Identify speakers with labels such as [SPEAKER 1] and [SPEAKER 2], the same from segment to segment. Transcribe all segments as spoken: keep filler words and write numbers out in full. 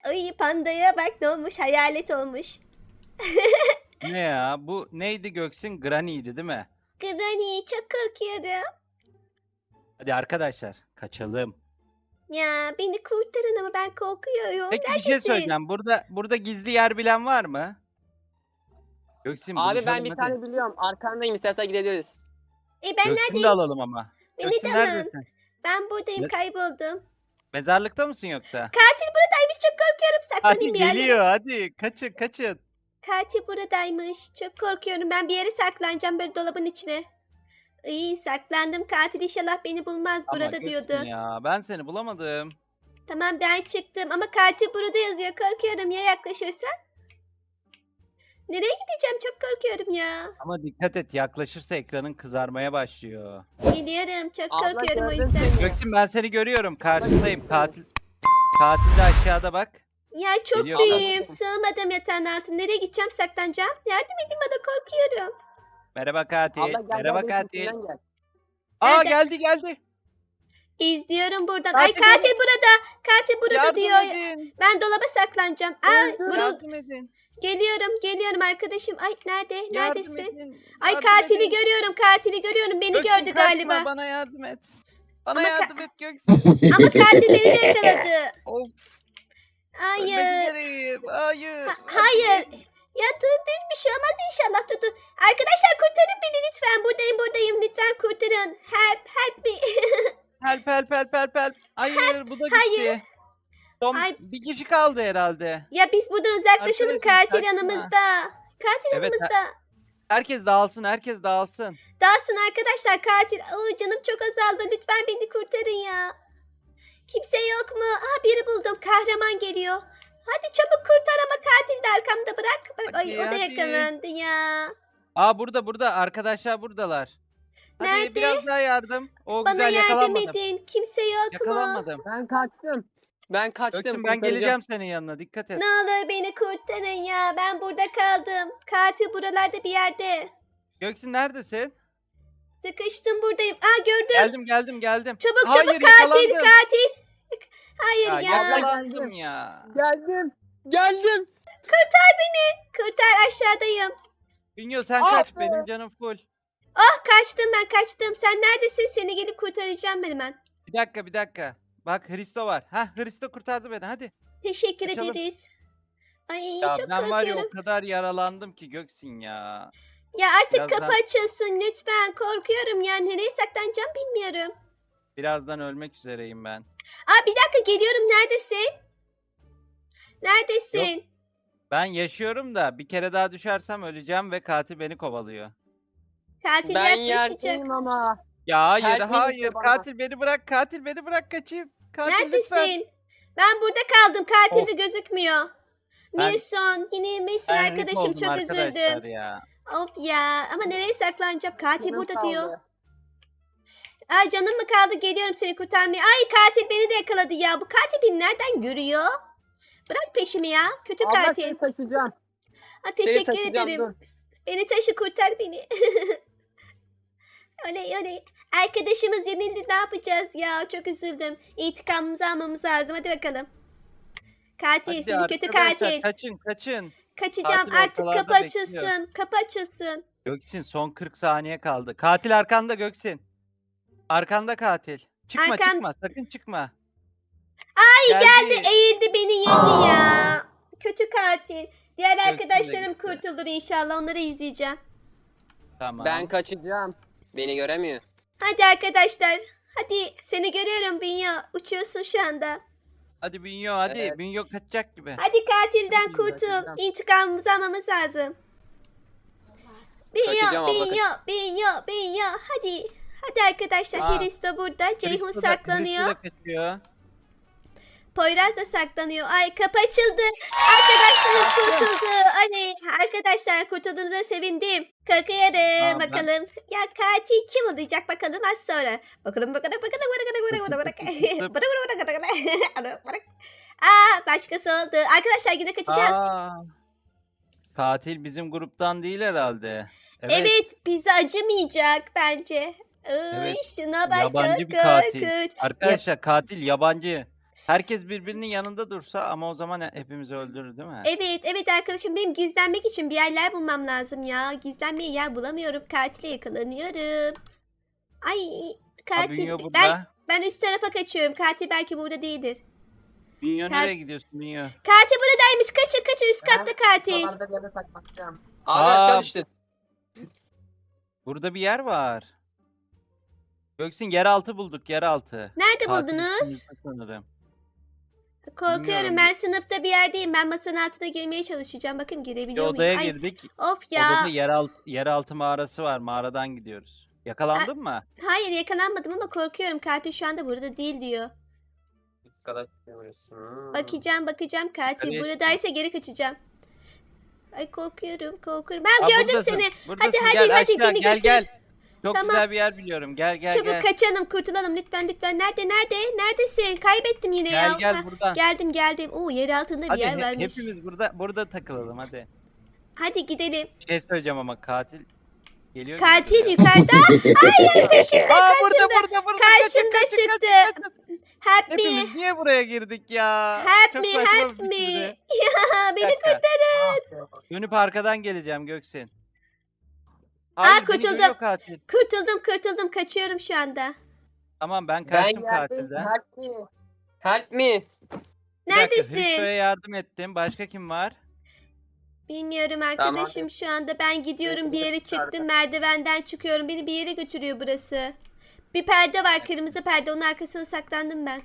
[SPEAKER 1] Ay pandaya bak ne olmuş hayalet olmuş.
[SPEAKER 2] Ne ya? Bu neydi Göksin? Granny'ydi değil mi?
[SPEAKER 1] Granny çok korkuyorum.
[SPEAKER 2] Hadi arkadaşlar kaçalım.
[SPEAKER 1] Ya beni kurtarın ama ben korkuyorum.
[SPEAKER 2] Peki bir şey
[SPEAKER 1] Neredesin?
[SPEAKER 2] söyleyeceğim. Burada burada gizli yer bilen var mı? Göksin
[SPEAKER 3] Abi ben
[SPEAKER 2] buluşalım
[SPEAKER 3] bir
[SPEAKER 2] hadi.
[SPEAKER 3] tane biliyorum. Arkandayım, istersen gidebiliriz.
[SPEAKER 1] E ben
[SPEAKER 2] Göksin'i de
[SPEAKER 1] neredeyim?
[SPEAKER 2] alalım ama.
[SPEAKER 1] Beni
[SPEAKER 2] Göksin
[SPEAKER 1] de alın.
[SPEAKER 2] neredesin?
[SPEAKER 1] Ben buradayım
[SPEAKER 2] Ne-
[SPEAKER 1] kayboldum.
[SPEAKER 2] Mezarlıkta mısın yoksa?
[SPEAKER 1] Katil buradaymış çok korkuyorum. Saklanayım
[SPEAKER 2] Hadi
[SPEAKER 1] bir yerlere.
[SPEAKER 2] geliyor hadi. Kaçın kaçın.
[SPEAKER 1] Katil buradaymış. Çok korkuyorum. Ben bir yere saklanacağım böyle dolabın içine. İyi saklandım. Katil inşallah beni bulmaz
[SPEAKER 2] Ama
[SPEAKER 1] burada
[SPEAKER 2] Göksin
[SPEAKER 1] diyordu.
[SPEAKER 2] ya ben seni bulamadım.
[SPEAKER 1] Tamam ben çıktım ama katil burada yazıyor. Korkuyorum ya yaklaşırsa. Nereye gideceğim? Çok korkuyorum ya.
[SPEAKER 2] Ama dikkat et yaklaşırsa ekranın kızarmaya başlıyor.
[SPEAKER 1] Geliyorum. Çok
[SPEAKER 3] Abla
[SPEAKER 1] korkuyorum o
[SPEAKER 3] gördüm
[SPEAKER 1] yüzden.
[SPEAKER 3] seni.
[SPEAKER 2] Göksin ben seni görüyorum. Karşındayım. Katil katil de aşağıda bak.
[SPEAKER 1] Ya çok
[SPEAKER 2] Geliyor
[SPEAKER 1] büyüğüm.
[SPEAKER 3] abla.
[SPEAKER 1] Sığmadım yatağın altına. Nereye gideceğim? Saklanacağım. Yardım edin bana korkuyorum.
[SPEAKER 2] Merhaba katil.
[SPEAKER 3] Abla gel
[SPEAKER 2] Merhaba
[SPEAKER 3] gel,
[SPEAKER 2] katil.
[SPEAKER 3] üstünden gel.
[SPEAKER 2] Aa
[SPEAKER 1] Nerede?
[SPEAKER 2] geldi geldi.
[SPEAKER 1] İzliyorum buradan. Ay
[SPEAKER 2] Katil
[SPEAKER 1] katil
[SPEAKER 2] beni-
[SPEAKER 1] burada. Katil burada
[SPEAKER 2] Yardım
[SPEAKER 1] diyor.
[SPEAKER 2] edin.
[SPEAKER 1] Ben dolaba saklanacağım. Ay
[SPEAKER 3] Öldüm.
[SPEAKER 1] vurul.
[SPEAKER 2] Yardım edin.
[SPEAKER 1] Geliyorum. Geliyorum arkadaşım. Ay nerede?
[SPEAKER 2] Yardım
[SPEAKER 1] Neredesin?
[SPEAKER 2] edin.
[SPEAKER 1] Ay
[SPEAKER 2] yardım
[SPEAKER 1] katili
[SPEAKER 2] edin.
[SPEAKER 1] görüyorum. Katili görüyorum. Beni
[SPEAKER 2] Göksin,
[SPEAKER 1] gördü
[SPEAKER 2] kaçma,
[SPEAKER 1] galiba.
[SPEAKER 2] Bana yardım et. Bana
[SPEAKER 1] Ama ka-
[SPEAKER 2] yardım et Göksin.
[SPEAKER 1] Ama katil beni de yakaladı.
[SPEAKER 2] Of. Ölmek
[SPEAKER 1] Hayır.
[SPEAKER 2] üzereyim. Hayır.
[SPEAKER 1] Ha-
[SPEAKER 2] hadi.
[SPEAKER 1] hayır. Ya dur dur bir şey olmaz inşallah dur dur. Arkadaşlar kurtarın beni lütfen. Buradayım buradayım. Lütfen kurtarın. Help help me.
[SPEAKER 2] Help help help help help. Hayır bu da gitti.
[SPEAKER 1] hayır.
[SPEAKER 2] Son
[SPEAKER 1] Ay.
[SPEAKER 2] bir kişi kaldı herhalde.
[SPEAKER 1] Ya biz buradan uzaklaşalım.
[SPEAKER 2] Arkadaşım,
[SPEAKER 1] Katil
[SPEAKER 2] kaçma.
[SPEAKER 1] yanımızda. Katil
[SPEAKER 2] Evet,
[SPEAKER 1] yanımızda.
[SPEAKER 2] Herkes dağılsın, herkes dağılsın.
[SPEAKER 1] Dağılsın arkadaşlar katil. Aa, canım çok azaldı. Lütfen beni kurtarın ya. Kimse yok mu? Aa biri buldum. Kahraman geliyor. Hadi çabuk kurtar ama katil de arkamda bırak. Bırak. Ay
[SPEAKER 2] Hadi,
[SPEAKER 1] o da
[SPEAKER 2] hadi.
[SPEAKER 1] yakalandı ya.
[SPEAKER 2] Aa burada burada arkadaşlar buradalar. Hadi
[SPEAKER 1] Nerede?
[SPEAKER 2] biraz daha yardım. O
[SPEAKER 1] Bana
[SPEAKER 2] güzel
[SPEAKER 1] yardım
[SPEAKER 2] yakalanmadım.
[SPEAKER 1] edin. Kimse yok mu?
[SPEAKER 2] Yakalanmadım.
[SPEAKER 3] Ben kaçtım. Ben kaçtım.
[SPEAKER 2] Göksin ben
[SPEAKER 3] kurtaracağım.
[SPEAKER 2] geleceğim senin yanına. Dikkat et.
[SPEAKER 1] Ne olur beni kurtarın ya. Ben burada kaldım. Katil buralarda bir yerde.
[SPEAKER 2] Göksin neredesin?
[SPEAKER 1] Sıkıştım buradayım. Aa gördüm.
[SPEAKER 2] Geldim geldim geldim.
[SPEAKER 1] Çabuk
[SPEAKER 2] Hayır,
[SPEAKER 1] çabuk katil
[SPEAKER 2] yakalandım.
[SPEAKER 1] katil. Hayır
[SPEAKER 2] Ya,
[SPEAKER 1] ya.
[SPEAKER 2] yakalandım ya.
[SPEAKER 3] Geldim. Geldim.
[SPEAKER 1] Kurtar beni. Kurtar aşağıdayım.
[SPEAKER 2] Bünyo sen
[SPEAKER 3] Ah
[SPEAKER 2] kaç
[SPEAKER 3] be.
[SPEAKER 2] benim canım full.
[SPEAKER 1] Oh kaçtım ben kaçtım. Sen neredesin? Seni gelip kurtaracağım ben hemen.
[SPEAKER 2] Bir dakika bir dakika. Bak Hristo var. Hah Hristo kurtardı beni hadi.
[SPEAKER 1] Teşekkür
[SPEAKER 2] Kaçalım.
[SPEAKER 1] ederiz. Ay
[SPEAKER 2] Ya
[SPEAKER 1] çok
[SPEAKER 2] ben var ya o
[SPEAKER 1] korkuyorum.
[SPEAKER 2] kadar yaralandım ki Göksin ya.
[SPEAKER 1] Ya artık
[SPEAKER 2] Birazdan-
[SPEAKER 1] kapı açılsın lütfen. Korkuyorum ya. Nereye saklanacağım bilmiyorum.
[SPEAKER 2] Birazdan ölmek üzereyim ben.
[SPEAKER 1] Aa bir dakika geliyorum. Neredesin? Neredesin?
[SPEAKER 2] Ben yaşıyorum da bir kere daha düşersem öleceğim ve katil beni kovalıyor.
[SPEAKER 1] Katil
[SPEAKER 3] Ben
[SPEAKER 1] yaklaşacak.
[SPEAKER 3] yerdeyim ama.
[SPEAKER 2] Ya hayır
[SPEAKER 3] Help me
[SPEAKER 2] hayır
[SPEAKER 3] işte bana.
[SPEAKER 2] katil beni bırak katil beni bırak kaçayım. Katil lütfen.
[SPEAKER 1] Neredesin? Ben burada kaldım. Katil
[SPEAKER 2] Of.
[SPEAKER 1] de gözükmüyor.
[SPEAKER 2] Ben-
[SPEAKER 1] Milson yine misin
[SPEAKER 2] Ben rip
[SPEAKER 1] arkadaşım
[SPEAKER 2] oldum
[SPEAKER 1] çok
[SPEAKER 2] arkadaşlar
[SPEAKER 1] üzüldüm.
[SPEAKER 2] ya.
[SPEAKER 1] Of ya ama nereye saklanacağım? Katil
[SPEAKER 3] Canım
[SPEAKER 1] burada
[SPEAKER 3] kaldı.
[SPEAKER 1] diyor. Ay canım mı kaldı geliyorum seni kurtarmaya. Ay katil beni de yakaladı ya. Bu katil beni nereden görüyor? Bırak peşimi ya. Kötü
[SPEAKER 3] Abla
[SPEAKER 1] katil.
[SPEAKER 3] seni taşıyacağım.
[SPEAKER 1] Ha,
[SPEAKER 3] Seni
[SPEAKER 1] teşekkür
[SPEAKER 3] taşıyacağım,
[SPEAKER 1] ederim.
[SPEAKER 3] dur.
[SPEAKER 1] Beni taşı kurtar beni. Oley oley. Arkadaşımız yenildi ne yapacağız ya? Çok üzüldüm. İntikamımızı almamız lazım. Hadi bakalım. Katil
[SPEAKER 2] Hadi
[SPEAKER 1] seni kötü
[SPEAKER 2] arkadaşlar,
[SPEAKER 1] katil.
[SPEAKER 2] Kaçın kaçın.
[SPEAKER 1] Kaçacağım
[SPEAKER 2] katil
[SPEAKER 1] artık
[SPEAKER 2] ortalarda
[SPEAKER 1] kapı
[SPEAKER 2] bekliyor.
[SPEAKER 1] açılsın. Kapı açılsın.
[SPEAKER 2] Göksin son kırk saniye kaldı. Katil arkanda Göksin. Arkanda katil. Çıkma
[SPEAKER 1] Arkam-
[SPEAKER 2] çıkma sakın çıkma.
[SPEAKER 1] Ay geldi eğildi beni yedi ya. Kötü katil. Diğer
[SPEAKER 2] Göksin de
[SPEAKER 1] arkadaşlarım
[SPEAKER 2] gitti.
[SPEAKER 1] kurtulur inşallah. Onları izleyeceğim.
[SPEAKER 2] Tamam.
[SPEAKER 3] Ben kaçacağım. Beni göremiyor.
[SPEAKER 1] Hadi arkadaşlar. Hadi seni görüyorum Bünya. Uçuyorsun şu anda.
[SPEAKER 2] Hadi Bünyo hadi.
[SPEAKER 3] Evet.
[SPEAKER 2] Bünyo kaçacak gibi.
[SPEAKER 1] Hadi katilden
[SPEAKER 3] Hadi,
[SPEAKER 1] kurtul.
[SPEAKER 3] kaçacağım.
[SPEAKER 1] İntikamımızı almamız lazım. Bünya,
[SPEAKER 3] Kaçacağım abla,
[SPEAKER 1] Bünya, Bünya, Bünya. Hadi. Hadi arkadaşlar.
[SPEAKER 2] Aa,
[SPEAKER 1] Hristo burada. Ceyhun
[SPEAKER 2] Hristo da-
[SPEAKER 1] saklanıyor.
[SPEAKER 2] Hristo da kaçıyor.
[SPEAKER 1] Poyraz da saklanıyor. Ay kapı açıldı. Arkadaşlarım kurtuldu. Hani arkadaşlar kurtulduğunuza sevindim. Kalkıyorum
[SPEAKER 2] Tamam, ben-
[SPEAKER 1] bakalım. Ya katil kim olacak bakalım az sonra. Bakalım bakalım bakalım bakalım bakalım bakalım bakalım bakalım. Aa başkası oldu. Arkadaşlar yine kaçacağız.
[SPEAKER 2] Aa, katil bizim gruptan değil herhalde.
[SPEAKER 1] Evet. bize acımayacak bence. Ay,
[SPEAKER 2] Evet,
[SPEAKER 1] şuna bak
[SPEAKER 2] yabancı
[SPEAKER 1] çok
[SPEAKER 2] bir katil.
[SPEAKER 1] korkunç.
[SPEAKER 2] Arkadaşlar katil yabancı. Herkes birbirinin yanında dursa ama o zaman hepimizi öldürür değil mi?
[SPEAKER 1] Evet evet arkadaşım benim gizlenmek için bir yerler bulmam lazım ya. Gizlenmeye yer bulamıyorum. Katile yakalanıyorum. Ay
[SPEAKER 2] Ha,
[SPEAKER 1] katil.
[SPEAKER 2] Bünyo
[SPEAKER 1] Ben,
[SPEAKER 2] burada.
[SPEAKER 1] ben üst tarafa kaçıyorum. Katil belki burada değildir.
[SPEAKER 2] Bünyo
[SPEAKER 1] Kat-
[SPEAKER 2] nereye gidiyorsun Bünyo?
[SPEAKER 1] Katil buradaymış. Kaçın kaçın üst katta katil.
[SPEAKER 3] Buralarda bir yere saklanacağım.
[SPEAKER 2] Aa.
[SPEAKER 3] Abi aşağı düştün.
[SPEAKER 2] Burada bir yer var. Göksin yeraltı bulduk yeraltı.
[SPEAKER 1] Nerede
[SPEAKER 2] Katil
[SPEAKER 1] buldunuz?
[SPEAKER 2] üstümüzde sanırım.
[SPEAKER 1] Korkuyorum
[SPEAKER 2] Bilmiyorum.
[SPEAKER 1] ben sınıfta bir yerdeyim. Ben masanın altına girmeye çalışacağım. Bakayım
[SPEAKER 2] Bir
[SPEAKER 1] girebiliyor muyum?
[SPEAKER 2] odaya
[SPEAKER 1] Ay,
[SPEAKER 2] girdik.
[SPEAKER 1] of ya.
[SPEAKER 2] Odada yeraltı, yeraltı mağarası var. Mağaradan gidiyoruz. Yakalandın mı?
[SPEAKER 1] Hayır yakalanmadım ama korkuyorum. Katil şu anda burada değil diyor.
[SPEAKER 3] Üst kata çıkıyoruz. Hmm.
[SPEAKER 1] Bakacağım bakacağım katil.
[SPEAKER 2] Nereye
[SPEAKER 1] Buradaysa geri kaçacağım. Ay korkuyorum korkuyorum. Ben
[SPEAKER 2] Aa,
[SPEAKER 1] gördüm
[SPEAKER 2] buradasın,
[SPEAKER 1] seni.
[SPEAKER 2] buradasın.
[SPEAKER 1] hadi,
[SPEAKER 2] Gel
[SPEAKER 1] hadi,
[SPEAKER 2] aşağı,
[SPEAKER 1] beni
[SPEAKER 2] gel
[SPEAKER 1] götür.
[SPEAKER 2] gel. Çok
[SPEAKER 1] Tamam.
[SPEAKER 2] güzel bir yer biliyorum. Gel gel
[SPEAKER 1] Çabuk
[SPEAKER 2] gel.
[SPEAKER 1] kaçalım kurtulalım lütfen lütfen. Nerede nerede? Neredesin? Kaybettim yine
[SPEAKER 2] Gel
[SPEAKER 1] ya.
[SPEAKER 2] gel
[SPEAKER 1] Ha,
[SPEAKER 2] buradan.
[SPEAKER 1] geldim geldim. Oo yer altında bir
[SPEAKER 2] Hadi
[SPEAKER 1] yer
[SPEAKER 2] he-
[SPEAKER 1] varmış.
[SPEAKER 2] hepimiz burada burada takılalım hadi.
[SPEAKER 1] Hadi gidelim.
[SPEAKER 2] Bir şey söyleyeceğim ama katil geliyor. gibi
[SPEAKER 1] Katil
[SPEAKER 2] duruyor.
[SPEAKER 1] yukarıda. Hayır peşimde
[SPEAKER 2] Aa
[SPEAKER 1] kaçımda.
[SPEAKER 2] burada burada burada.
[SPEAKER 1] Karşımda
[SPEAKER 2] Kaçın, kaçın,
[SPEAKER 1] çıktı.
[SPEAKER 2] kaçın, kaçın.
[SPEAKER 1] Help me.
[SPEAKER 2] Hepimiz niye buraya girdik ya?
[SPEAKER 1] Help
[SPEAKER 2] Çok
[SPEAKER 1] me
[SPEAKER 2] saçma bir
[SPEAKER 1] help me.
[SPEAKER 2] fikirdi.
[SPEAKER 1] Ya
[SPEAKER 2] Bir
[SPEAKER 1] beni
[SPEAKER 2] dakika.
[SPEAKER 1] kurtarın.
[SPEAKER 2] Dönüp arkadan geleceğim Göksin.
[SPEAKER 1] Aa,
[SPEAKER 2] Hayır, beni
[SPEAKER 1] kurtuldum.
[SPEAKER 2] görüyor katil.
[SPEAKER 1] Kurtuldum kurtuldum kaçıyorum şu anda.
[SPEAKER 2] Tamam ben
[SPEAKER 3] Ben
[SPEAKER 2] kaçtım
[SPEAKER 3] geldim.
[SPEAKER 2] katilden.
[SPEAKER 3] Help me. Help me.
[SPEAKER 2] Bir dakika,
[SPEAKER 1] Neredesin?
[SPEAKER 2] Hristo'ya yardım ettim. Başka kim var?
[SPEAKER 1] Bilmiyorum
[SPEAKER 3] Tamam,
[SPEAKER 1] arkadaşım şu anda ben gidiyorum bir yere
[SPEAKER 3] Götürürüz
[SPEAKER 1] çıktım
[SPEAKER 3] arkadan.
[SPEAKER 1] merdivenden çıkıyorum beni bir yere götürüyor burası. Bir perde var kırmızı perde onun arkasına saklandım ben.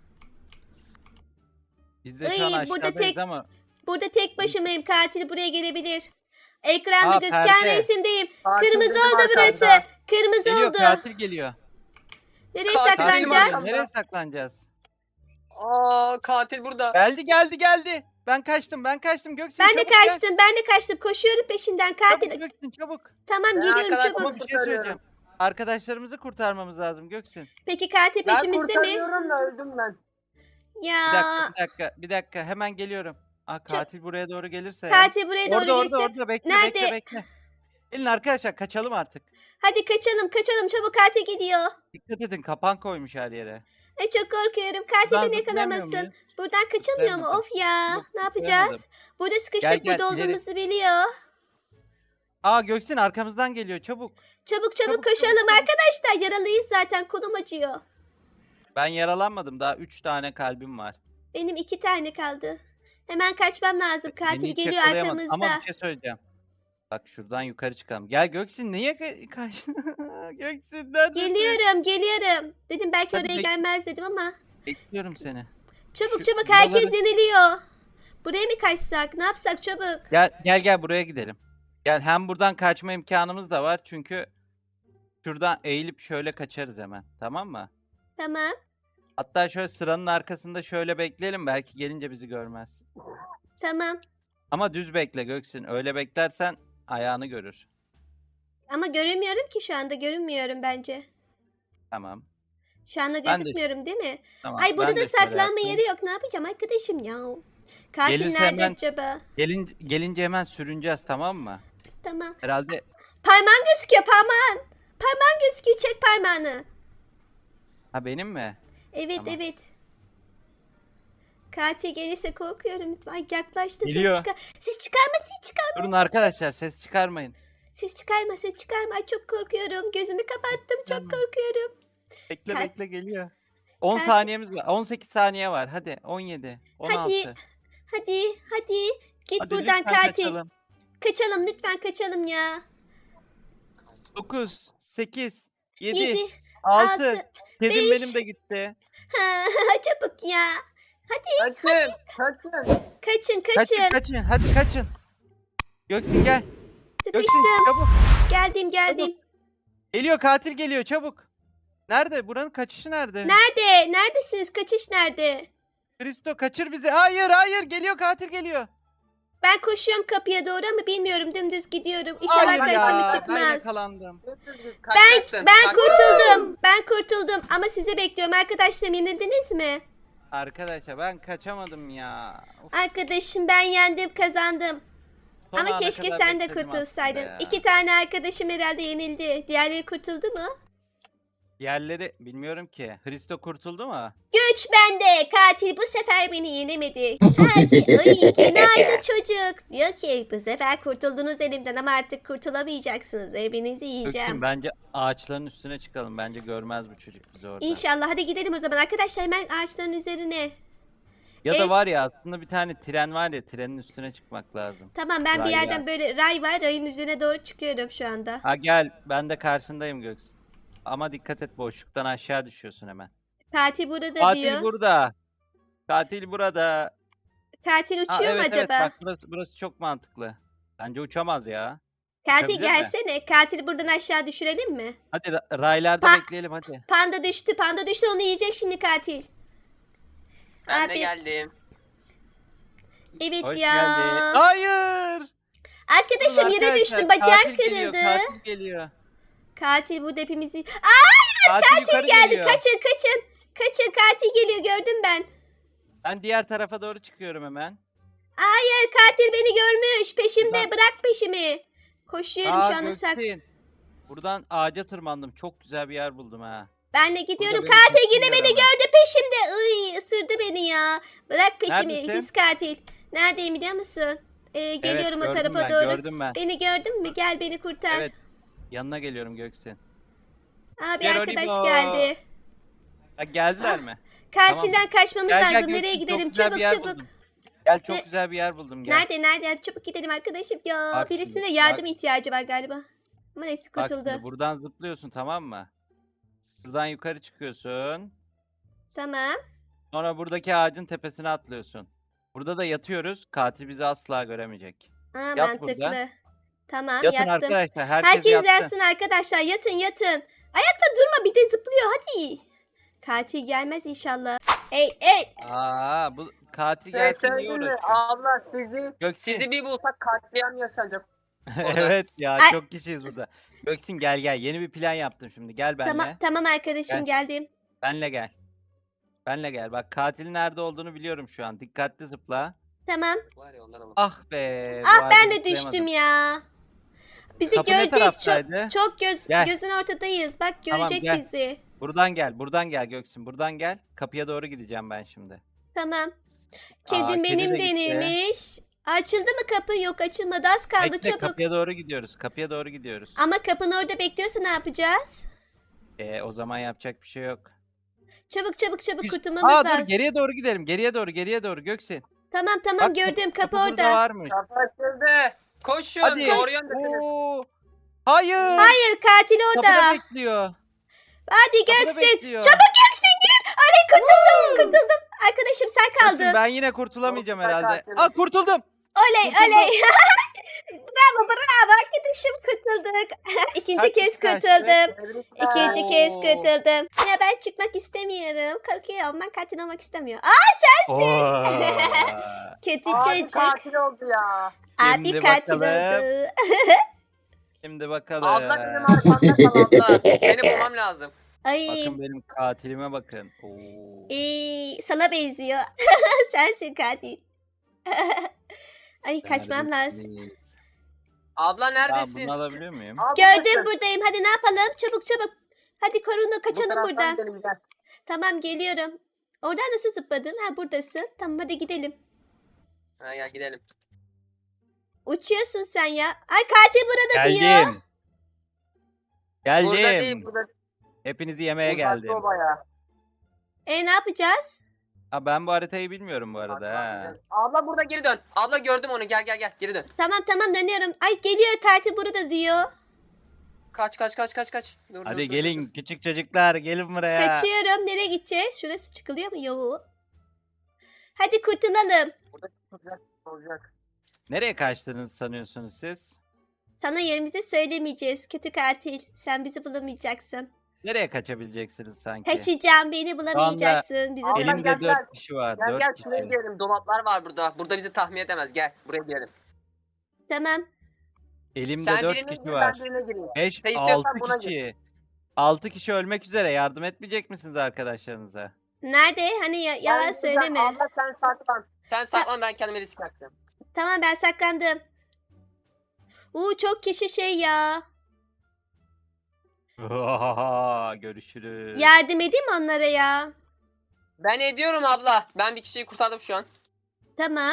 [SPEAKER 2] Biz de şu an
[SPEAKER 1] Ay, burada
[SPEAKER 2] aşağıdayız
[SPEAKER 1] tek-
[SPEAKER 2] ama.
[SPEAKER 1] Burada tek başımayım katil buraya gelebilir. Ekranda
[SPEAKER 2] Aa,
[SPEAKER 1] gözüken
[SPEAKER 2] perde.
[SPEAKER 1] resimdeyim.
[SPEAKER 3] Katil
[SPEAKER 1] Kırmızı
[SPEAKER 3] benim
[SPEAKER 1] oldu burası.
[SPEAKER 3] arkamda.
[SPEAKER 1] Kırmızı
[SPEAKER 2] Geliyor
[SPEAKER 1] oldu.
[SPEAKER 2] katil geliyor.
[SPEAKER 1] Nereye
[SPEAKER 3] Katil benim
[SPEAKER 1] saklanacağız?
[SPEAKER 3] arkamda.
[SPEAKER 2] Nereye saklanacağız?
[SPEAKER 3] Aa katil burada.
[SPEAKER 2] Geldi geldi geldi. Ben kaçtım ben kaçtım Göksin
[SPEAKER 1] Ben de
[SPEAKER 2] çabuk gel.
[SPEAKER 1] kaçtım ben de kaçtım koşuyorum peşinden katil.
[SPEAKER 2] Çabuk Göksin çabuk.
[SPEAKER 1] Tamam
[SPEAKER 3] Ben
[SPEAKER 1] geliyorum
[SPEAKER 3] arkadan
[SPEAKER 1] çabuk.
[SPEAKER 2] Ama bir şey
[SPEAKER 3] kurtarıyorum.
[SPEAKER 2] söyleyeceğim. Arkadaşlarımızı kurtarmamız lazım Göksin.
[SPEAKER 1] Peki katil
[SPEAKER 3] Ben
[SPEAKER 1] peşimizde mi?
[SPEAKER 3] kurtarıyorum da öldüm ben.
[SPEAKER 1] Ya
[SPEAKER 2] Bir dakika bir dakika bir dakika hemen geliyorum. Aa katil buraya doğru gelirse ya.
[SPEAKER 1] katil buraya doğru
[SPEAKER 2] Orada orada
[SPEAKER 1] gelirse.
[SPEAKER 2] orada bekle
[SPEAKER 1] Nerede?
[SPEAKER 2] bekle bekle. Gelin arkadaşlar kaçalım artık.
[SPEAKER 1] Hadi kaçalım kaçalım çabuk katil gidiyor.
[SPEAKER 2] Dikkat edin kapan koymuş her yere.
[SPEAKER 1] Ay çok korkuyorum. Katil
[SPEAKER 2] Buradan
[SPEAKER 1] beni
[SPEAKER 2] zıplayamıyor
[SPEAKER 1] yakalamasın.
[SPEAKER 2] muyuz?
[SPEAKER 1] Buradan kaçamıyor mu?
[SPEAKER 2] Zıplayamadım.
[SPEAKER 1] Of ya.
[SPEAKER 2] Yok,
[SPEAKER 1] Ne yapacağız?
[SPEAKER 2] zıplayamadım.
[SPEAKER 1] Burada sıkıştık.
[SPEAKER 2] Gel, gel,
[SPEAKER 1] Burada
[SPEAKER 2] ileri.
[SPEAKER 1] olduğumuzu biliyor.
[SPEAKER 2] Aa Göksin arkamızdan geliyor çabuk.
[SPEAKER 1] Çabuk çabuk,
[SPEAKER 2] Çabuk,
[SPEAKER 1] koşalım
[SPEAKER 2] çabuk, çabuk.
[SPEAKER 1] arkadaşlar. Yaralıyız zaten. Kolum acıyor.
[SPEAKER 2] Ben yaralanmadım daha üç tane kalbim var.
[SPEAKER 1] Benim iki tane kaldı. Hemen kaçmam lazım. Katil
[SPEAKER 2] Beni hiç
[SPEAKER 1] geliyor
[SPEAKER 2] yakalayamadı.
[SPEAKER 1] arkamızda.
[SPEAKER 2] Ama bir şey söyleyeceğim. Bak şuradan yukarı çıkalım. Gel Göksin niye ka- kaçtın? Göksin neredesin?
[SPEAKER 1] Geliyorum geliyorum. Dedim belki
[SPEAKER 2] Hadi
[SPEAKER 1] oraya
[SPEAKER 2] bek-
[SPEAKER 1] gelmez dedim ama.
[SPEAKER 2] Bekliyorum seni.
[SPEAKER 1] Çabuk
[SPEAKER 2] Şu
[SPEAKER 1] çabuk herkes
[SPEAKER 2] buraları-
[SPEAKER 1] yeniliyor. Buraya mı kaçsak? Ne yapsak çabuk?
[SPEAKER 2] Gel gel gel buraya gidelim. Gel hem buradan kaçma imkanımız da var çünkü şuradan eğilip şöyle kaçarız hemen. Tamam mı?
[SPEAKER 1] Tamam.
[SPEAKER 2] Hatta şöyle sıranın arkasında şöyle bekleyelim belki gelince bizi görmez.
[SPEAKER 1] Tamam.
[SPEAKER 2] Ama düz bekle Göksin. Öyle beklersen ayağını görür.
[SPEAKER 1] Ama göremiyorum ki şu anda. Görünmüyorum bence.
[SPEAKER 2] Tamam.
[SPEAKER 1] Şu anda
[SPEAKER 2] Ben de-
[SPEAKER 1] gözükmüyorum değil mi?
[SPEAKER 2] Tamam.
[SPEAKER 1] Ay burada
[SPEAKER 2] ben
[SPEAKER 1] da
[SPEAKER 2] de şöyle
[SPEAKER 1] saklanma
[SPEAKER 2] yaptım.
[SPEAKER 1] yeri yok. Ne yapacağım arkadaşım ya? Katil
[SPEAKER 2] Gelirse
[SPEAKER 1] nerede
[SPEAKER 2] hemen-
[SPEAKER 1] acaba?
[SPEAKER 2] Gelin, gelince hemen sürüneceğiz tamam mı?
[SPEAKER 1] Tamam.
[SPEAKER 2] Herhalde
[SPEAKER 1] Parmağın gözüküyor parmağın. Parmağın gözüküyor. Çek parmağını.
[SPEAKER 2] ha benim mi?
[SPEAKER 1] Evet
[SPEAKER 2] Tamam.
[SPEAKER 1] evet. Katil gelirse korkuyorum. Ay yaklaştı.
[SPEAKER 2] Geliyor.
[SPEAKER 1] Ses, çıkar ses çıkarma ses çıkarma.
[SPEAKER 2] Durun arkadaşlar ses çıkarmayın.
[SPEAKER 1] Ses çıkarma ses çıkarma. Ay çok korkuyorum. Gözümü kapattım. Çok
[SPEAKER 2] Tamam.
[SPEAKER 1] korkuyorum.
[SPEAKER 2] Bekle
[SPEAKER 1] Kal-
[SPEAKER 2] bekle geliyor. on
[SPEAKER 1] Katil-
[SPEAKER 2] saniyemiz var. on sekiz saniye var. Hadi on yedi, on altı.
[SPEAKER 1] Hadi, Hadi hadi. Git
[SPEAKER 2] Hadi
[SPEAKER 1] buradan
[SPEAKER 2] lütfen
[SPEAKER 1] katil.
[SPEAKER 2] kaçalım.
[SPEAKER 1] Kaçalım lütfen kaçalım ya.
[SPEAKER 2] dokuz, sekiz, yedi,
[SPEAKER 1] Yedi,
[SPEAKER 2] altı.
[SPEAKER 1] altı,
[SPEAKER 2] Kedim
[SPEAKER 1] beş.
[SPEAKER 2] benim de gitti.
[SPEAKER 1] Ha, çabuk ya. Hadi
[SPEAKER 3] Kaçın. Kaçın.
[SPEAKER 1] kaçın kaçın.
[SPEAKER 2] Kaçın kaçın hadi kaçın. Göksin gel. Göksin
[SPEAKER 1] Sıkıştım.
[SPEAKER 2] çabuk.
[SPEAKER 1] Geldim geldim.
[SPEAKER 2] Geliyor katil geliyor çabuk. Nerede? Buranın kaçışı nerede?
[SPEAKER 1] Nerede? Neredesiniz? Kaçış nerede?
[SPEAKER 2] Kristo kaçır bizi. Hayır hayır geliyor katil geliyor.
[SPEAKER 1] Ben koşuyorum kapıya doğru ama bilmiyorum dümdüz gidiyorum. İnşallah
[SPEAKER 2] Hayır
[SPEAKER 1] karşıma
[SPEAKER 2] ya ben
[SPEAKER 1] çıkmaz.
[SPEAKER 2] yakalandım.
[SPEAKER 3] Kaçacaksın.
[SPEAKER 1] Ben
[SPEAKER 3] Kaç-
[SPEAKER 1] kurtuldum. Ben kurtuldum ama sizi bekliyorum. Arkadaşlarım yenildiniz mi?
[SPEAKER 2] Arkadaşlar ben kaçamadım ya. Of,
[SPEAKER 1] Arkadaşım ben yendim kazandım.
[SPEAKER 2] son
[SPEAKER 1] Ama
[SPEAKER 2] ana
[SPEAKER 1] keşke
[SPEAKER 2] kadar
[SPEAKER 1] sen de
[SPEAKER 2] bekledim
[SPEAKER 1] kurtulsaydın.
[SPEAKER 2] aslında ya.
[SPEAKER 1] İki tane arkadaşım herhalde yenildi. Diğerleri kurtuldu mu?
[SPEAKER 2] Yerleri bilmiyorum ki. Hristo kurtuldu mu?
[SPEAKER 1] Güç bende. Katil bu sefer beni yenemedi. Hadi. Ay günaydın çocuk. Diyor ki bu sefer kurtuldunuz elimden ama artık kurtulamayacaksınız. Hepinizi yiyeceğim.
[SPEAKER 2] Göksin bence ağaçların üstüne çıkalım. Bence görmez bu çocuk bizi orada.
[SPEAKER 1] İnşallah. Hadi gidelim o zaman arkadaşlar hemen ağaçların üzerine.
[SPEAKER 2] Ya
[SPEAKER 1] Es-
[SPEAKER 2] da var ya aslında bir tane tren var ya trenin üstüne çıkmak lazım.
[SPEAKER 1] Tamam ben bir
[SPEAKER 2] Ray
[SPEAKER 1] yerden
[SPEAKER 2] var.
[SPEAKER 1] böyle ray var. Rayın üzerine doğru çıkıyorum şu anda.
[SPEAKER 2] Ha gel ben de karşındayım Göksin. Ama dikkat et boşluktan aşağı düşüyorsun hemen.
[SPEAKER 1] Katil burada
[SPEAKER 2] Katil
[SPEAKER 1] diyor.
[SPEAKER 2] burada. Katil burada.
[SPEAKER 1] Katil
[SPEAKER 2] Ha,
[SPEAKER 1] uçuyor mu
[SPEAKER 2] evet evet
[SPEAKER 1] acaba?
[SPEAKER 2] bak burası, burası çok mantıklı. Bence uçamaz ya.
[SPEAKER 1] Katil
[SPEAKER 2] uçabilir mi?
[SPEAKER 1] gelsene. Katili buradan aşağı düşürelim mi?
[SPEAKER 2] Hadi ra- raylarda
[SPEAKER 1] Pa-
[SPEAKER 2] bekleyelim hadi.
[SPEAKER 1] Panda düştü. Panda düştü. Onu yiyecek şimdi katil.
[SPEAKER 3] Ben
[SPEAKER 1] Abi.
[SPEAKER 3] de geldim.
[SPEAKER 1] Evet
[SPEAKER 2] Hoş
[SPEAKER 1] ya.
[SPEAKER 2] geldin. Hayır.
[SPEAKER 1] Arkadaşım
[SPEAKER 2] Dur
[SPEAKER 1] yere
[SPEAKER 2] arkadaşlar,
[SPEAKER 1] düştüm. Bacağım
[SPEAKER 2] katil geliyor,
[SPEAKER 1] kırıldı.
[SPEAKER 2] Katil geliyor.
[SPEAKER 1] Katil burada hepimizi...
[SPEAKER 2] Katil, yukarı
[SPEAKER 1] Geldi.
[SPEAKER 2] geliyor.
[SPEAKER 1] Kaçın kaçın. Kaçın katil geliyor gördüm ben.
[SPEAKER 2] Ben diğer tarafa doğru çıkıyorum hemen.
[SPEAKER 1] Hayır katil beni görmüş. Peşimde
[SPEAKER 2] Buradan-
[SPEAKER 1] bırak peşimi. Koşuyorum
[SPEAKER 2] Aa,
[SPEAKER 1] şu anda sak.
[SPEAKER 2] Göksin. Buradan ağaca tırmandım. Çok güzel bir yer buldum ha.
[SPEAKER 1] Ben de gidiyorum.
[SPEAKER 2] beni
[SPEAKER 1] Katil
[SPEAKER 2] kesin
[SPEAKER 1] yine beni
[SPEAKER 2] göremez.
[SPEAKER 1] gördü peşimde. Iy, ısırdı beni ya. Bırak peşimi.
[SPEAKER 2] Neredesin?
[SPEAKER 1] His katil. Neredeyim biliyor musun? Ee, geliyorum
[SPEAKER 2] evet,
[SPEAKER 1] o
[SPEAKER 2] gördüm
[SPEAKER 1] tarafa
[SPEAKER 2] ben,
[SPEAKER 1] doğru.
[SPEAKER 2] Gördüm ben.
[SPEAKER 1] Beni gördün mü? Gel beni kurtar.
[SPEAKER 2] Evet. Yanına geliyorum Göksin.
[SPEAKER 1] Abi
[SPEAKER 2] Gel
[SPEAKER 1] arkadaş
[SPEAKER 2] Olivo.
[SPEAKER 1] geldi.
[SPEAKER 2] Ha, geldiler mi?
[SPEAKER 1] Katilden kaçmamız
[SPEAKER 2] Gel gel
[SPEAKER 1] lazım.
[SPEAKER 2] Göksin,
[SPEAKER 1] Nereye
[SPEAKER 2] çok
[SPEAKER 1] gidelim?
[SPEAKER 2] güzel bir
[SPEAKER 1] Çabuk
[SPEAKER 2] yer
[SPEAKER 1] çabuk.
[SPEAKER 2] buldum. Gel çok
[SPEAKER 1] Ne-
[SPEAKER 2] güzel bir yer buldum gel.
[SPEAKER 1] Nerede nerede? Hadi çabuk gidelim arkadaşım. Ya
[SPEAKER 2] Bak
[SPEAKER 1] birisine
[SPEAKER 2] şimdi,
[SPEAKER 1] yardım
[SPEAKER 2] bak.
[SPEAKER 1] ihtiyacı var galiba. Ama neyse
[SPEAKER 2] Bak
[SPEAKER 1] kurtuldu.
[SPEAKER 2] şimdi buradan zıplıyorsun tamam mı? Buradan yukarı çıkıyorsun.
[SPEAKER 1] Tamam.
[SPEAKER 2] Sonra buradaki ağacın tepesine atlıyorsun. Burada da yatıyoruz. Katil bizi asla göremeyecek.
[SPEAKER 1] Aa,
[SPEAKER 2] Yat
[SPEAKER 1] mantıklı.
[SPEAKER 2] burada.
[SPEAKER 1] Tamam
[SPEAKER 2] Yatın
[SPEAKER 1] yattım.
[SPEAKER 2] arkadaşlar. Herkes,
[SPEAKER 1] Herkes
[SPEAKER 2] yatsın.
[SPEAKER 1] yatsın arkadaşlar. Yatın yatın. Ayakta durma bir de zıplıyor hadi. Katil gelmez inşallah. Ey ey.
[SPEAKER 2] Aa bu katil
[SPEAKER 3] Şey
[SPEAKER 2] gelsin diye
[SPEAKER 3] söyleyeyim mi?
[SPEAKER 2] uğraşıyor.
[SPEAKER 3] Abla sizi
[SPEAKER 2] Göksin.
[SPEAKER 3] sizi bir bulsak katliam yaşanacak. orada.
[SPEAKER 2] Evet ya
[SPEAKER 1] Ay.
[SPEAKER 2] çok kişiyiz burada. Göksin gel gel. Yeni bir plan yaptım şimdi. Gel benimle.
[SPEAKER 1] Tamam tamam arkadaşım
[SPEAKER 2] Gel.
[SPEAKER 1] geldim.
[SPEAKER 2] Benle gel. Benle gel. Bak katilin nerede olduğunu biliyorum şu an. Dikkatli zıpla.
[SPEAKER 1] Tamam.
[SPEAKER 3] Var ya ondan alalım.
[SPEAKER 2] Ah be. bu
[SPEAKER 1] Ah
[SPEAKER 2] ağaca
[SPEAKER 1] ben de
[SPEAKER 2] zıplayamadım.
[SPEAKER 1] düştüm ya. Bizi
[SPEAKER 2] Kapı ne
[SPEAKER 1] görecek çok,
[SPEAKER 2] taraftaydı?
[SPEAKER 1] çok göz,
[SPEAKER 2] Gel.
[SPEAKER 1] gözün ortadayız. Bak
[SPEAKER 2] Tamam,
[SPEAKER 1] görecek
[SPEAKER 2] gel.
[SPEAKER 1] bizi.
[SPEAKER 2] Buradan gel. Buradan gel Göksin. Buradan gel. Kapıya doğru gideceğim ben şimdi.
[SPEAKER 1] Tamam.
[SPEAKER 2] Aa,
[SPEAKER 1] Kedim
[SPEAKER 2] kedi
[SPEAKER 1] benim
[SPEAKER 2] de gitti.
[SPEAKER 1] denilmiş. Açıldı mı kapı? Yok açılmadı. Az kaldı
[SPEAKER 2] Bekle,
[SPEAKER 1] çabuk.
[SPEAKER 2] kapıya doğru gidiyoruz. Kapıya doğru gidiyoruz.
[SPEAKER 1] Ama kapının orada bekliyorsa ne yapacağız?
[SPEAKER 2] Ee, o zaman yapacak bir şey yok.
[SPEAKER 1] Çabuk çabuk çabuk
[SPEAKER 2] Biz-
[SPEAKER 1] kurtulmamız
[SPEAKER 2] Aa dur
[SPEAKER 1] lazım.
[SPEAKER 2] geriye doğru gidelim. Geriye doğru, geriye doğru Göksin.
[SPEAKER 1] Tamam tamam
[SPEAKER 2] Bak,
[SPEAKER 1] gördüm kapı,
[SPEAKER 2] burada
[SPEAKER 1] orada.
[SPEAKER 2] varmış.
[SPEAKER 3] Kapı açıldı. Koşun.
[SPEAKER 2] Hadi.
[SPEAKER 3] Doğru yöndesiniz.
[SPEAKER 2] Oo. Hayır.
[SPEAKER 1] Hayır katil orada.
[SPEAKER 2] Kapıda bekliyor.
[SPEAKER 1] Hadi
[SPEAKER 2] Kapıda
[SPEAKER 1] Göksin.
[SPEAKER 2] bekliyor.
[SPEAKER 1] Çabuk Göksin gir. Aley kurtuldum kurtuldum. Arkadaşım sen
[SPEAKER 2] Göksin,
[SPEAKER 1] kaldın.
[SPEAKER 2] ben yine kurtulamayacağım
[SPEAKER 3] Çok güzel
[SPEAKER 2] herhalde.
[SPEAKER 3] katil.
[SPEAKER 2] Aa kurtuldum.
[SPEAKER 1] Oley
[SPEAKER 2] kurtuldum.
[SPEAKER 1] oley. Bravo bravo arkadaşım kurtulduk. İkinci
[SPEAKER 2] Kaç
[SPEAKER 1] kez
[SPEAKER 2] kişi kaçtı?
[SPEAKER 1] kurtuldum.
[SPEAKER 3] Tebrikler.
[SPEAKER 1] İkinci kez
[SPEAKER 2] Oo.
[SPEAKER 1] kurtuldum. Ya ben çıkmak istemiyorum. Korkuyorum. Ben katil olmak istemiyorum. Aa
[SPEAKER 2] Oo.
[SPEAKER 1] kötü
[SPEAKER 3] Abi
[SPEAKER 1] çocuk.
[SPEAKER 3] katil oldu ya.
[SPEAKER 1] Abi
[SPEAKER 2] Şimdi
[SPEAKER 1] katil
[SPEAKER 2] bakalım.
[SPEAKER 1] oldu.
[SPEAKER 2] Şimdi bakalım.
[SPEAKER 3] Abla benim arkamda kal abla. Seni bulmam lazım.
[SPEAKER 1] Ay
[SPEAKER 2] Bakın benim katilime bakın. Oo.
[SPEAKER 1] ee, sana benziyor. Sensin katil. Ay kaçmam lazım.
[SPEAKER 2] Neredesiniz?
[SPEAKER 3] Abla
[SPEAKER 2] Aa,
[SPEAKER 3] neredesin?
[SPEAKER 2] bunu alabiliyor muyum?
[SPEAKER 3] Abla
[SPEAKER 1] Gördüm
[SPEAKER 3] bakın.
[SPEAKER 1] buradayım. Hadi ne yapalım? Çabuk çabuk. Hadi korunu
[SPEAKER 3] Bu
[SPEAKER 1] kaçalım
[SPEAKER 3] taraftan
[SPEAKER 1] buradan.
[SPEAKER 3] gidelim, gel.
[SPEAKER 1] Tamam geliyorum. Oradan nasıl zıpladın? Ha buradasın. Tamam hadi gidelim.
[SPEAKER 3] Ha, gel gidelim.
[SPEAKER 1] Uçuyorsun sen ya. Ay katil burada diyor.
[SPEAKER 2] Geldim.
[SPEAKER 3] Burada değil
[SPEAKER 2] Geldim.
[SPEAKER 3] burada.
[SPEAKER 2] Hepinizi yemeye
[SPEAKER 3] Uzakta
[SPEAKER 2] geldim.
[SPEAKER 3] o bayağı.
[SPEAKER 1] E ne yapacağız?
[SPEAKER 2] Ha, ben bu haritayı bilmiyorum bu arada. Ha.
[SPEAKER 3] Abla burada geri dön. Abla gördüm onu. Gel gel gel. Geri dön.
[SPEAKER 1] Tamam tamam dönüyorum. Ay geliyor katil burada diyor.
[SPEAKER 3] Kaç kaç kaç kaç kaç. Dur, dur,
[SPEAKER 2] Hadi
[SPEAKER 3] dur,
[SPEAKER 2] gelin
[SPEAKER 3] dur.
[SPEAKER 2] küçük çocuklar gelin buraya.
[SPEAKER 1] Kaçıyorum. Nereye gideceğiz? Şurası çıkılıyor mu? Yok. Hadi kurtulalım.
[SPEAKER 3] Burada olacak. Olacak.
[SPEAKER 2] Nereye kaçtığınızı sanıyorsunuz siz?
[SPEAKER 1] Sana yerimizi söylemeyeceğiz. Kötü katil. Sen bizi bulamayacaksın.
[SPEAKER 2] Nereye kaçabileceksiniz sanki?
[SPEAKER 1] Kaçacağım. Beni bulamayacaksın. Bizi
[SPEAKER 3] Abla,
[SPEAKER 1] bulamayacaksın.
[SPEAKER 2] Elimde
[SPEAKER 3] gel, gel.
[SPEAKER 2] dört kişi var.
[SPEAKER 3] Gel
[SPEAKER 2] dört
[SPEAKER 3] gel
[SPEAKER 2] kişi.
[SPEAKER 3] şuraya gidelim. Dolaplar var burada. Burada bizi tahmin edemez. Gel buraya gidelim.
[SPEAKER 1] Tamam.
[SPEAKER 2] Elimde
[SPEAKER 3] Sen
[SPEAKER 2] dört
[SPEAKER 3] birine
[SPEAKER 2] kişi
[SPEAKER 3] gir
[SPEAKER 2] var.
[SPEAKER 3] ben birine gireyim.
[SPEAKER 2] Beş,
[SPEAKER 3] Sen istiyorsan
[SPEAKER 2] altı
[SPEAKER 3] buna gir.
[SPEAKER 2] kişi. Altı kişi ölmek üzere. Yardım etmeyecek misiniz arkadaşlarınıza?
[SPEAKER 1] Nerede? Hani ya- yalan
[SPEAKER 3] Ben-
[SPEAKER 1] söyleme.
[SPEAKER 3] Abla sen saklan. Sen saklan ben kendimi risk atacağım.
[SPEAKER 1] Tamam ben saklandım. Uuu çok kişi şey ya.
[SPEAKER 2] Görüşürüz.
[SPEAKER 1] Yardım edeyim mi onlara ya?
[SPEAKER 3] Ben ediyorum abla. Ben bir kişiyi kurtardım şu an.
[SPEAKER 1] Tamam.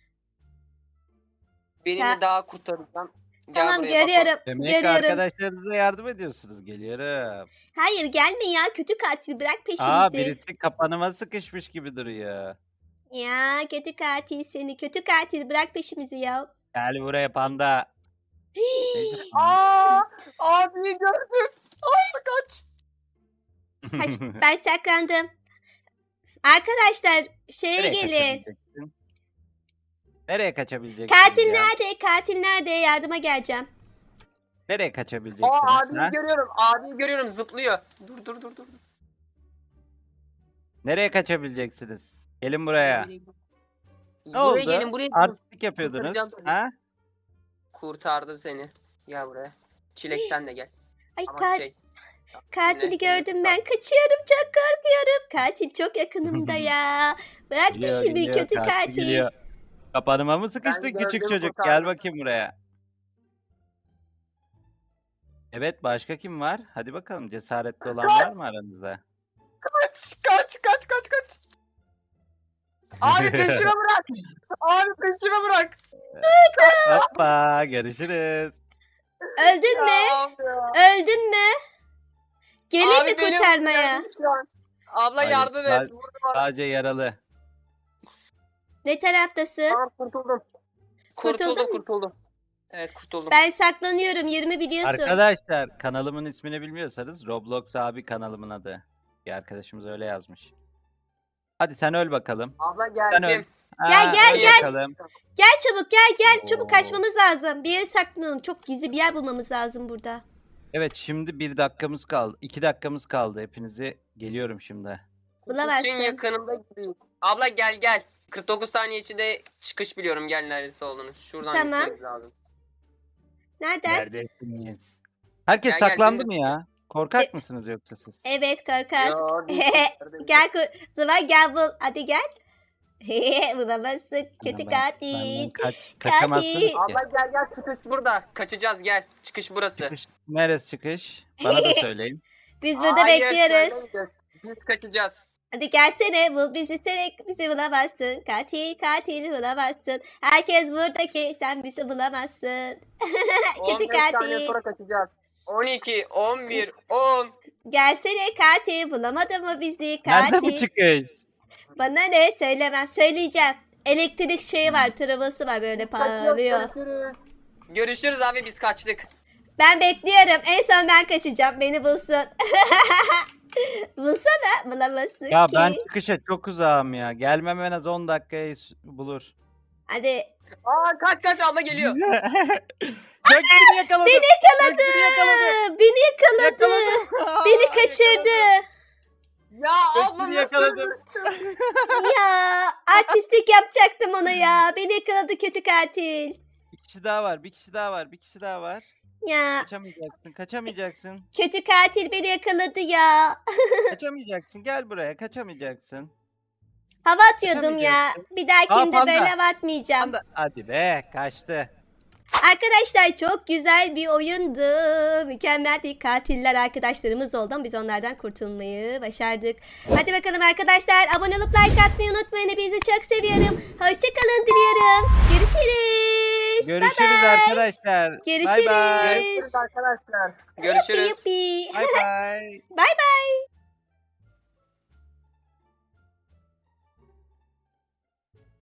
[SPEAKER 3] Birini
[SPEAKER 1] Ya-
[SPEAKER 3] daha kurtaracağım. Gel
[SPEAKER 1] Tamam
[SPEAKER 3] buraya Bako.
[SPEAKER 1] görüyorum.
[SPEAKER 2] Demek ki
[SPEAKER 1] görüyorum.
[SPEAKER 2] arkadaşlarınıza yardım ediyorsunuz. Geliyorum.
[SPEAKER 1] Hayır gelme ya kötü katil bırak peşimizi.
[SPEAKER 2] Aa birisi kapanıma sıkışmış gibi duruyor.
[SPEAKER 1] Ya kötü katil seni. Kötü katil bırak peşimizi ya.
[SPEAKER 2] Gel buraya panda. Neyse,
[SPEAKER 3] Aa, abi gördüm. Aa, kaç.
[SPEAKER 1] Kaç, ben saklandım. Arkadaşlar şeye
[SPEAKER 2] Nereye
[SPEAKER 1] gelin.
[SPEAKER 2] kaçabileceksin? Nereye kaçabileceksin
[SPEAKER 1] Katil
[SPEAKER 2] ya?
[SPEAKER 1] nerede? Katil nerede? Yardıma geleceğim.
[SPEAKER 2] Nereye kaçabileceksiniz?
[SPEAKER 3] Aa, abiyi
[SPEAKER 2] ha?
[SPEAKER 3] görüyorum. Abiyi görüyorum zıplıyor. Dur dur dur dur.
[SPEAKER 2] Nereye kaçabileceksiniz? Gelin buraya. Ne
[SPEAKER 3] Buraya
[SPEAKER 2] oldu?
[SPEAKER 3] gelin buraya gelin.
[SPEAKER 2] Artistik yapıyordunuz.
[SPEAKER 3] Kurtaracağım seni.
[SPEAKER 2] Ha?
[SPEAKER 3] Kurtardım seni. Gel buraya. Çilek sen de gel.
[SPEAKER 1] Ay
[SPEAKER 3] Ama
[SPEAKER 1] ka-
[SPEAKER 3] şey.
[SPEAKER 1] katili
[SPEAKER 3] yine-
[SPEAKER 1] gördüm ben. Kaçıyorum çok korkuyorum. Katil çok yakınımda ya. Bırak
[SPEAKER 2] Geliyor,
[SPEAKER 1] peşimi
[SPEAKER 2] geliyor,
[SPEAKER 1] kötü
[SPEAKER 2] katil
[SPEAKER 1] katil.
[SPEAKER 2] geliyor. Kapanıma mı sıkıştın
[SPEAKER 3] Ben
[SPEAKER 2] küçük
[SPEAKER 3] gördüm,
[SPEAKER 2] çocuk? Gel
[SPEAKER 3] kurtardım.
[SPEAKER 2] bakayım buraya. Evet başka kim var? Hadi bakalım cesaretli olan var mı aranızda?
[SPEAKER 3] Kaç kaç kaç kaç kaç. Abi peşime bırak. Abi peşime bırak.
[SPEAKER 2] Hoppa görüşürüz.
[SPEAKER 1] Öldün mü?
[SPEAKER 3] Ya abi ya.
[SPEAKER 1] Öldün mü? Geleyim
[SPEAKER 3] Abi
[SPEAKER 1] mi
[SPEAKER 3] beni
[SPEAKER 1] kurtarmaya?
[SPEAKER 3] vurdu şu an. Abla
[SPEAKER 2] Hayır,
[SPEAKER 3] yardım
[SPEAKER 2] sa-
[SPEAKER 3] et. Vurdu bana.
[SPEAKER 2] Sadece yaralı.
[SPEAKER 1] Ne taraftasın?
[SPEAKER 3] Tamam kurtuldum.
[SPEAKER 1] Kurtuldun
[SPEAKER 3] Kurtuldum
[SPEAKER 1] mu?
[SPEAKER 3] kurtuldum. Evet kurtuldum.
[SPEAKER 1] Ben saklanıyorum. Yerimi biliyorsun.
[SPEAKER 2] Arkadaşlar kanalımın ismini bilmiyorsanız Roblox abi kanalımın adı. Bir arkadaşımız öyle yazmış. Hadi sen öl bakalım.
[SPEAKER 3] Abla
[SPEAKER 2] Sen öl.
[SPEAKER 3] geldim.
[SPEAKER 1] Gel, gel,
[SPEAKER 2] öl
[SPEAKER 1] gel.
[SPEAKER 2] bakalım.
[SPEAKER 1] Gel çabuk gel gel. Çabuk
[SPEAKER 2] Oo.
[SPEAKER 1] kaçmamız lazım. Bir yere saklanalım. Çok gizli bir yer bulmamız lazım burada.
[SPEAKER 2] Evet şimdi bir dakikamız kaldı. iki dakikamız kaldı. Hepinizi geliyorum şimdi.
[SPEAKER 1] Bulamazsın.
[SPEAKER 3] Kutusun yakınında gibiyiz. Abla gel gel. kırk dokuz saniye içinde çıkış biliyorum gel neresi olduğunu. Şuradan
[SPEAKER 1] Tamam.
[SPEAKER 3] gitmemiz lazım.
[SPEAKER 1] Nereden?
[SPEAKER 2] Neredesiniz? Herkes
[SPEAKER 3] Gel, gel,
[SPEAKER 2] saklandı
[SPEAKER 3] şimdi-
[SPEAKER 2] mı ya? Korkak
[SPEAKER 1] E-
[SPEAKER 2] mısınız yoksa siz?
[SPEAKER 1] Evet korkak.
[SPEAKER 3] Yo, değil. Neredeyiz?
[SPEAKER 1] Gel kur. Zaman gel bul. Hadi gel. Bulamazsın. Kötü
[SPEAKER 2] Benden-
[SPEAKER 1] katil.
[SPEAKER 2] benden kaç, kaçamazsınız
[SPEAKER 1] Katil.
[SPEAKER 2] ki.
[SPEAKER 3] Abla gel gel çıkış burada. Kaçacağız gel. Çıkış burası.
[SPEAKER 2] Çıkış, neresi çıkış? Bana da söyleyin.
[SPEAKER 1] Biz burada
[SPEAKER 3] Hayır,
[SPEAKER 1] bekliyoruz.
[SPEAKER 3] söylemeyeceğiz. Biz kaçacağız.
[SPEAKER 1] Hadi gelsene bul bizi sen bizi bulamazsın. Katil katil bulamazsın. Herkes buradaki sen bizi bulamazsın.
[SPEAKER 3] on
[SPEAKER 1] Kötü
[SPEAKER 3] beş saniye
[SPEAKER 1] katil.
[SPEAKER 3] sonra kaçacağız. on iki, on bir, on.
[SPEAKER 1] Gelsene katil bulamadı mı bizi
[SPEAKER 2] Nerede bu
[SPEAKER 1] katil?
[SPEAKER 2] çıkış?
[SPEAKER 1] Bana ne söylemem söyleyeceğim. Elektrik şeyi var travası var böyle parlıyor.
[SPEAKER 3] Görüşürüz. Görüşürüz abi biz kaçtık.
[SPEAKER 1] Ben bekliyorum en son ben kaçacağım beni bulsun. Bulsana bulamazsın
[SPEAKER 2] Ya
[SPEAKER 1] ki.
[SPEAKER 2] ben çıkışa çok uzağım ya. Gelmem en az on dakikayı s- bulur.
[SPEAKER 1] Hadi.
[SPEAKER 3] Aa kaç kaç abla geliyor.
[SPEAKER 2] Bak beni yakaladı.
[SPEAKER 1] Beni yakaladı.
[SPEAKER 2] Beni yakaladı.
[SPEAKER 1] Beni yakaladı.
[SPEAKER 2] Yakaladı.
[SPEAKER 1] Beni
[SPEAKER 2] Aa,
[SPEAKER 1] kaçırdı.
[SPEAKER 3] Ya
[SPEAKER 2] Bak
[SPEAKER 3] abla
[SPEAKER 2] seni
[SPEAKER 3] nasıl
[SPEAKER 2] yakaladım.
[SPEAKER 3] ölmüşsün?
[SPEAKER 1] Ya artistlik yapacaktım ona ya. Beni yakaladı kötü katil.
[SPEAKER 2] Bir kişi daha var. Bir kişi daha var. Bir kişi daha var.
[SPEAKER 1] Ya
[SPEAKER 2] Kaçamayacaksın. Kaçamayacaksın.
[SPEAKER 1] kötü katil beni yakaladı ya.
[SPEAKER 2] Kaçamayacaksın. Gel buraya. Kaçamayacaksın.
[SPEAKER 1] Hava atıyordum ya.
[SPEAKER 2] Kaçamayacaksın.
[SPEAKER 1] Bir dahakinde
[SPEAKER 2] Aa, panda.
[SPEAKER 1] böyle hava atmayacağım.
[SPEAKER 2] Anda. Hadi be. Kaçtı.
[SPEAKER 1] Arkadaşlar çok güzel bir oyundu. Mükemmel bir katiller arkadaşlarımız oldu ama biz onlardan kurtulmayı başardık. Hadi bakalım arkadaşlar. Abone olup like atmayı unutmayın. Hepinizi çok seviyorum. Hoşçakalın diliyorum. Görüşürüz.
[SPEAKER 2] Görüşürüz
[SPEAKER 1] Bye bye.
[SPEAKER 2] arkadaşlar.
[SPEAKER 1] Görüşürüz.
[SPEAKER 2] Bay bay.
[SPEAKER 3] Görüşürüz arkadaşlar. Görüşürüz.
[SPEAKER 1] Yuppi yuppi.
[SPEAKER 2] Bay bay.
[SPEAKER 1] Bye bye.